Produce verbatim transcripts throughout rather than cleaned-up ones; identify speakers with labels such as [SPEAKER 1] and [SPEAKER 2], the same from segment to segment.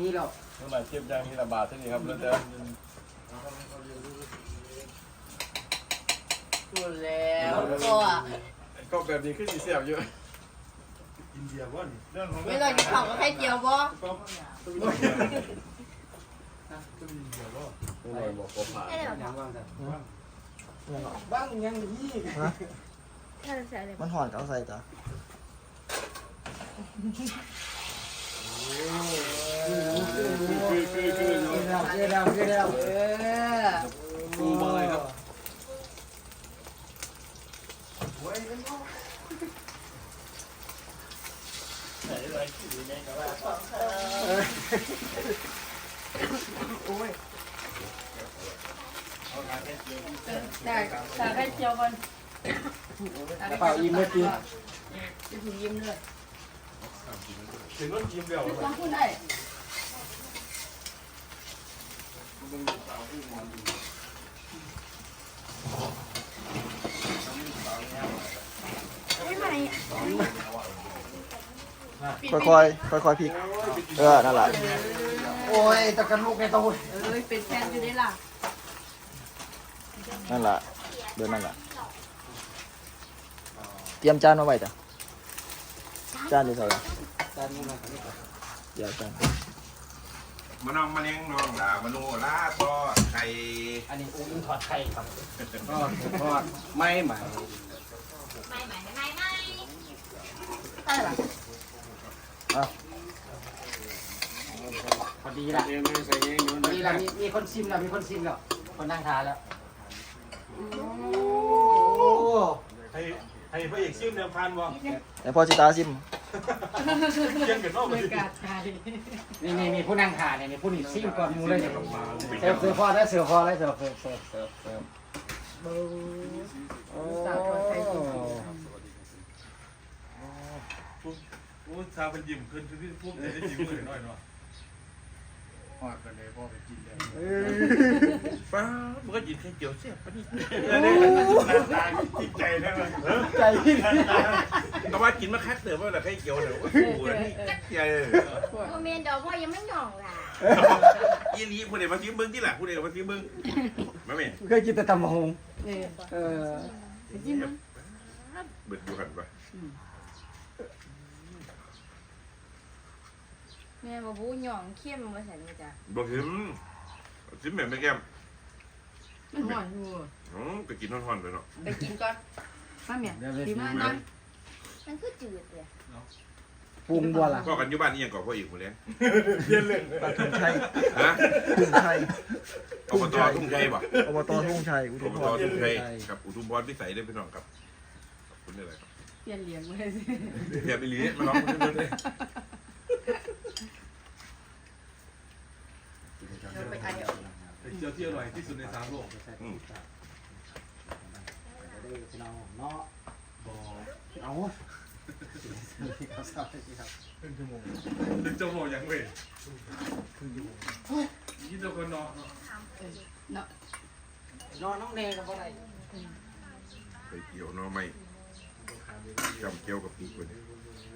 [SPEAKER 1] นี้แล้ว
[SPEAKER 2] เมื่อไหร่เทียบยางมีระบาดที่นี่ครับแล้วจะ
[SPEAKER 3] ดูแล้วก็
[SPEAKER 2] ก็แบบนี้ขึ้นสีเสียบเยอะ
[SPEAKER 4] อินเดียว่านี่
[SPEAKER 3] ไม่ต้องกินข้าวกับไข่เจียวบ่
[SPEAKER 2] ไม่เลยบอกผมผ่าน
[SPEAKER 1] บ้างยังนี่
[SPEAKER 5] มันหอนก็เอาใส่จ้ะ
[SPEAKER 2] คือคือคือ
[SPEAKER 1] เร็วเร็วเร็วเออ
[SPEAKER 2] ดูมาเลยครับ
[SPEAKER 3] ได้แต่ไข่เจียวก่อน
[SPEAKER 1] เปล่ายิ้มไม่กิน
[SPEAKER 3] จะถึงยิ้มเลย
[SPEAKER 2] ถึงต้นกินเดียว
[SPEAKER 3] ต้องพูดได้ไม่ไหม
[SPEAKER 5] ค่อยๆค่อยๆพลิกเออนั่นแหละ
[SPEAKER 1] โอ้ยตะกันลูกในตู้
[SPEAKER 3] เอ้ยเป็นแฟนอยู่ได้ล่ะ
[SPEAKER 5] นั่นแหละเดินนั่นแหละเตรียมจานมาไว้จ้ะจานอยู่เท่าไหร่
[SPEAKER 1] จานนี้มาครับ
[SPEAKER 5] เดี๋ยวจาน
[SPEAKER 6] มานองมาเลี้ยงน้องหลามโนลาทอดไข่
[SPEAKER 1] อันนี้อุ้งถอดไข่ครับทอดทอดไม่ใหม่
[SPEAKER 3] ไม่ไม่ไม่ไม่
[SPEAKER 1] พอดีละพอดีละมีมีคนชิมแล้วมีคนชิมแล้วคนนั่งทานแล้วโอ้
[SPEAKER 4] ให้ให้พระเอกซิมเดิมพันบ่
[SPEAKER 5] แต่พอจิตาซิม
[SPEAKER 4] เกี่ยงกันนอก
[SPEAKER 3] ไม่
[SPEAKER 4] เลย
[SPEAKER 3] กาดใจ
[SPEAKER 1] นี่นี่มีผู้นั่งทานเนี่ยมีผู้นี่ชิมก่อนมูเลยเนี่ยเสิร์ฟเสิร์ฟพอได้เสิร์ฟพอได้เสิร์ฟเสิร์ฟเสิร์ฟเสิร์ฟเสิร์ฟโอ้
[SPEAKER 3] สาวคนไทยจริง
[SPEAKER 4] โอ้ชาเป็นยิ้มขึ้นคือพวกจะยิ้มเลยหน่อยเนาะ
[SPEAKER 2] หอดกันเลยพ่อไปกินเลย
[SPEAKER 6] ป้ามันก็ยินแค่เจียวเสียบปะนี่
[SPEAKER 4] ตายจิตใจได้ไหม
[SPEAKER 1] ใจพี่
[SPEAKER 6] แต่ว่ากินมาคักเติมว่าแต่แค่เจียวเดี๋ยวก็สู้เลยนี่จักใหญ่
[SPEAKER 7] โมเมนต์ดอกพ่อยังไม่หย่องล่ะ
[SPEAKER 6] อีลีผู้ใดมาซิมเบิ้งที่หลังผู้ใดมาซิมเบิ้งมาเม่
[SPEAKER 1] เคยกินแต่ตำมะฮง
[SPEAKER 3] นี่
[SPEAKER 1] เออ
[SPEAKER 3] จิ้มมั้ง
[SPEAKER 6] เบิดอยู่หันปะ
[SPEAKER 7] แม่บอกบูหย่องเข้มมาใส่นี่จ้ะ
[SPEAKER 6] บอกถึงซิมแบบไม่แก้ม
[SPEAKER 3] มันหวานอยู่
[SPEAKER 6] อ๋อก็กินท่อนๆไปเนาะ
[SPEAKER 3] ไปกินก่อนมาเมียดีมากนะ
[SPEAKER 7] มันคือจืดเลย
[SPEAKER 1] ปรุงบัวล่ะ
[SPEAKER 6] พ่อกันอยู่บ้านนี่ยังก่อพ่ออีกคนเลี้ยง
[SPEAKER 4] เรียนเลย
[SPEAKER 5] ปลาทุ่งชัย
[SPEAKER 6] ฮะ
[SPEAKER 5] ทุ่งชัย
[SPEAKER 6] อบตทุ่งชัยป่ะ
[SPEAKER 5] อบตทุ่งชัยอุ
[SPEAKER 6] อ
[SPEAKER 5] ทุ
[SPEAKER 6] บ
[SPEAKER 5] ม
[SPEAKER 6] ต
[SPEAKER 5] พร
[SPEAKER 6] ทุ่งชัยกับอุทุมพรพิสัยได้พี่น้องครับขอบคุณอะไรครับ
[SPEAKER 3] เปลี่ยนเหลียงเลยสิ
[SPEAKER 6] เดี๋ยวไปลีมาลองดูเลย
[SPEAKER 3] ไปไอเอา
[SPEAKER 4] เจียวที่อร่อยที่สุดในสามโลก
[SPEAKER 6] อืม
[SPEAKER 1] เนาะเนาะ
[SPEAKER 4] บ่
[SPEAKER 1] เอา
[SPEAKER 4] ครึ่งชั่วโมงหนึ่งชั่วโมงยังเว้ยยี่สิบคนนอน
[SPEAKER 3] เนาะ
[SPEAKER 1] นอนน้องเนยกับอะไร
[SPEAKER 6] ไปเกี่ยวน้อไม่จำเกี่ยวกับปีกคนนี้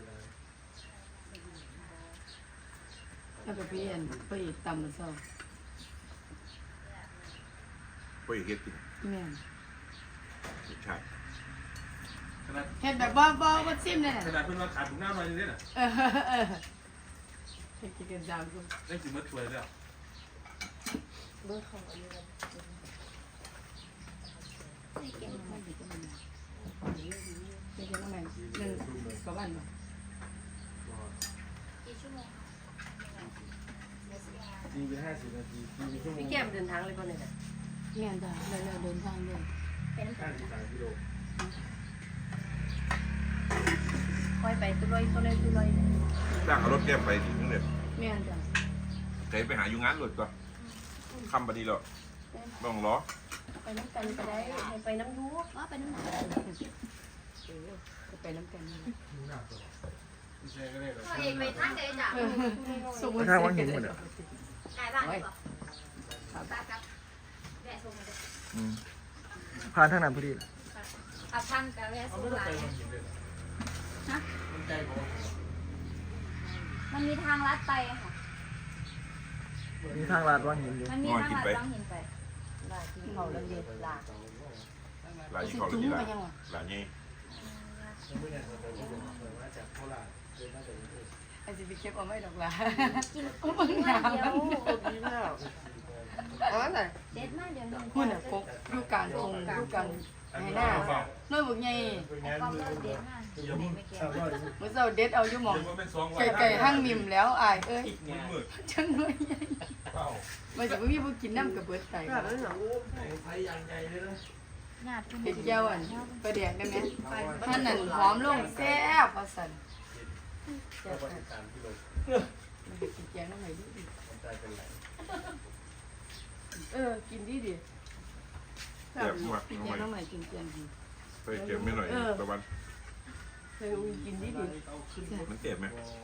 [SPEAKER 3] แล้วก็เปลี่ยนไปตำมันเศร้า
[SPEAKER 6] ไปเฮ็ดกิน
[SPEAKER 3] แม่น
[SPEAKER 6] ใช่
[SPEAKER 4] ขนาด
[SPEAKER 3] เฮ็ดแบบบ่บ่บ่ซิมเลย
[SPEAKER 4] ขนาดเพิ่นว่าขาดถุงหน้าหน่อยนึงเนี่ยน่ะ
[SPEAKER 3] เออเออเฮ็ดกินกันยาวกู
[SPEAKER 4] ได้สิมาช่วยแล้ว
[SPEAKER 7] เบอร์ของอะไรกันไม่เก่ง
[SPEAKER 3] ไม่ดีก็มันเป็นยังไงหนึ่งกับวันบ่
[SPEAKER 7] กี่ชั่วโมง
[SPEAKER 4] สี่ไปห้าสิบนาทีสี่ชั่วโมง
[SPEAKER 3] พี่แก้มเดินทางเลยก่อนเลยนะแม่นจ้ะเร็วๆเดินทางเลย
[SPEAKER 7] เป็น
[SPEAKER 4] ห้าสิบสามกิโล
[SPEAKER 3] ค่อยไปตุลอยตุลอยตุลอย
[SPEAKER 6] จ้างเอารถแก้มไปถึงนึงเลย
[SPEAKER 3] แม่นจ้ะ
[SPEAKER 6] เคยไปหาอยู่งานรถก็คำบดีแล้วต้องล้อ
[SPEAKER 3] ไปน้ำกันไปได้ไปน้ำยู
[SPEAKER 7] ว่าเป็นน้ำหนัก
[SPEAKER 3] ไปน้ำกัน
[SPEAKER 4] ไม่ใช่ก็ได้หรอก
[SPEAKER 7] พ่อเอกไปทางไหนจ้ะ
[SPEAKER 3] ส่ง
[SPEAKER 5] ไม่ทางว่าหินหมดอ่ะ
[SPEAKER 7] ไก่บ้านดีกว่าตากับแม่ส่งมาเลย
[SPEAKER 5] อืมผ่านทางนั้นพอดี
[SPEAKER 7] เอาทางกับแม่ส่งหลายฮะมันมีทางลัดไปค่ะ
[SPEAKER 5] มีทางลาดว่างหินอยู่
[SPEAKER 7] มันมีทางลัดต้องเห็นไปลาที่เขาแล้วเด็ดลา
[SPEAKER 6] หลายเขาเลยดีละหลายนี่
[SPEAKER 3] ไอ้สิไปเก็บเอาไว้ดอกล่ะ
[SPEAKER 7] กิน
[SPEAKER 3] เอาเบิ่งหน้ามัน
[SPEAKER 8] เอาอะไร
[SPEAKER 7] เด็ดมากเดี๋ยวนึง
[SPEAKER 3] หุ่นน่ะกกอยู่กลางทงอยู่กลางให้หน้าน้อยบักใหญ่
[SPEAKER 7] ความเลิศเด็ดมากไม่เกี่ยว
[SPEAKER 3] มื้อเช้าเด็ดเอาอยู่หม่อง
[SPEAKER 4] เดี๋ยวมันเป็นสองวัน
[SPEAKER 3] ไก่ๆหั่งมิมแล้วอ้ายเอ้ย
[SPEAKER 4] มืด
[SPEAKER 3] จังน้อยใหญ่
[SPEAKER 4] เปล่า
[SPEAKER 3] มันสิบ่มีผู้กินน้ำกับเบิดไต
[SPEAKER 8] แบบนั้นเหรอ
[SPEAKER 7] ญาติ
[SPEAKER 3] เผ็ดแก้วอันปลาแดกได้ไหมท่านนั่นหอมลงแซ่บว่าซั่นแซ่บมันกินแกงน้ำไหนดิเออกินดีดิ
[SPEAKER 6] แซ่บมาก
[SPEAKER 3] กิน
[SPEAKER 6] น้อง
[SPEAKER 3] แกง
[SPEAKER 6] ใหม่
[SPEAKER 3] น้ำไหนกินแกงดี
[SPEAKER 6] เคยเก็บไม่หน่อยตะวัน
[SPEAKER 3] เคยอุ้ยกินดีดิ
[SPEAKER 6] มันเจ็บไหม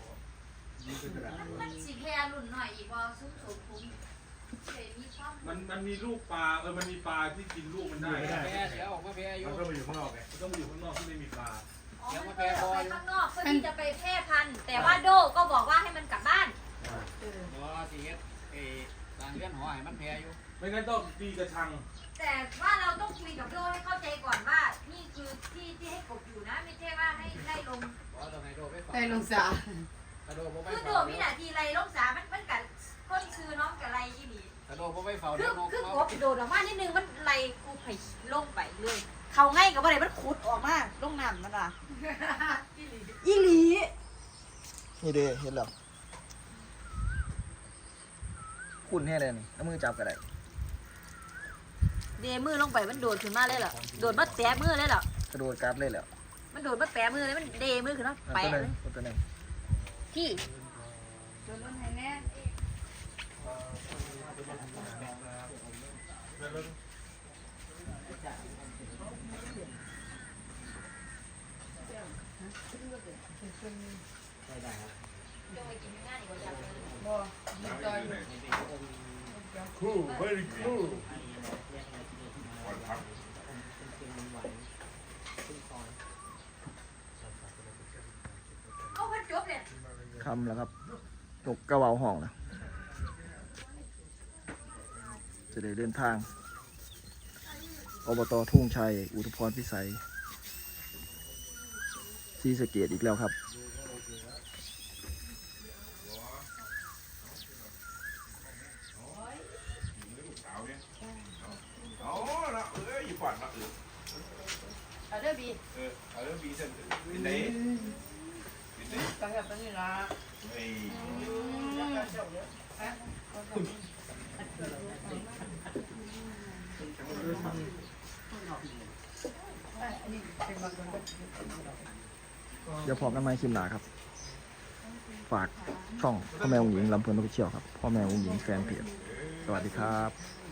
[SPEAKER 7] มันสีแพรรุ่นหน่อยอีกว่าซุ้มสูงคุ้มเคยมีความ
[SPEAKER 4] มันมันมีลูกปลาเออมันมีปลาที่กินลูกมันได้
[SPEAKER 1] แพ้เดี๋ยวออกมาแพ้อยู่
[SPEAKER 2] มันก็ไปอยู่ข้างนอกไง
[SPEAKER 4] มันต้องมาอยู่ข้างนอกที่ไม่มีปลา
[SPEAKER 7] อ๋อมันไปออกไปข้างนอกเพื่อที่จะไปแพร่พันธุ์แต่ว่าโดก็บอกว่าให้มันกลับบ้าน
[SPEAKER 1] บ่สิเฮ็ดเอ้สร้างเรือนหอให้มันแพ้อยู่
[SPEAKER 4] ไม่งั้นต้องตีกระชัง
[SPEAKER 7] แต่ว่าเราต้องคุยกับโดให้เข้าใจก่อนว่า นี่คือที่ที่ให้กบอยู่นะ ไม่ใช่ว่าให้ไล่ลง
[SPEAKER 1] บ่ต้องให้โดไปฝาก
[SPEAKER 3] ไตลงสา
[SPEAKER 1] ถ้าโดบ่ไป
[SPEAKER 7] คือโด
[SPEAKER 1] เฝ้า
[SPEAKER 7] วินาทีไล่ลงสามันมันกัดก้นคือน้องกับไล่ยี่หลี
[SPEAKER 1] ถ้าโดบ่ไปเฝ้า
[SPEAKER 7] คื
[SPEAKER 1] เดี๋
[SPEAKER 7] อ
[SPEAKER 1] ยวนก
[SPEAKER 7] คือก
[SPEAKER 1] มา
[SPEAKER 7] บโดดออกมานิดนึงมันไล่กูไผ่ลงไปเลย เขาง่ายกับอะไรมันขุดออกมาลงน้ำมันอ่ะยี่หลี
[SPEAKER 5] นี่เด้เห็นแล้วคุณแค่เลยนี่เอามือจับก็ได้
[SPEAKER 7] เดมือลงไปมันโดดขึ้นมาเลยเหรอโดดมาแตะมือเลยเหรอก
[SPEAKER 5] ระโดดกราฟเลยแล้ว
[SPEAKER 7] มันโดดมาแปะมือเลยมันเดมือขึ้นมา
[SPEAKER 5] เอา
[SPEAKER 7] แปะ
[SPEAKER 5] ตัวหนึ
[SPEAKER 7] เล
[SPEAKER 5] ง
[SPEAKER 7] ย
[SPEAKER 5] เอาตัวหนึง
[SPEAKER 7] พี่
[SPEAKER 3] โดนรถให้แน่ บ่มีต่อยอยู่
[SPEAKER 2] คู่ very cool
[SPEAKER 6] วันพัก
[SPEAKER 7] เอาพันจบเนี่ย
[SPEAKER 5] คำแล้วครับนกกระเวาห้องนะจะได้เดินทางอบตทุ่งชัยอุทุพรพิสัยศรีสะเกษอีกแล้วครับ
[SPEAKER 6] เอาละเอ้ยอยู่ฝันละเออ
[SPEAKER 3] เอาเด้อบี
[SPEAKER 6] เออเอาเรื่องบีเส้นเป็นไหนเป็นไหน
[SPEAKER 3] ไปกับตัวนี้ล่ะ
[SPEAKER 6] ไอ้
[SPEAKER 5] เดี๋ยวพอกันไหมคลิปหนาครับ ฝากช่องพ่อแม่องหญิงลำเพลินออฟฟิเชียลครับ พ่อแม่องหญิงแฟนเพจสวัสดีครับ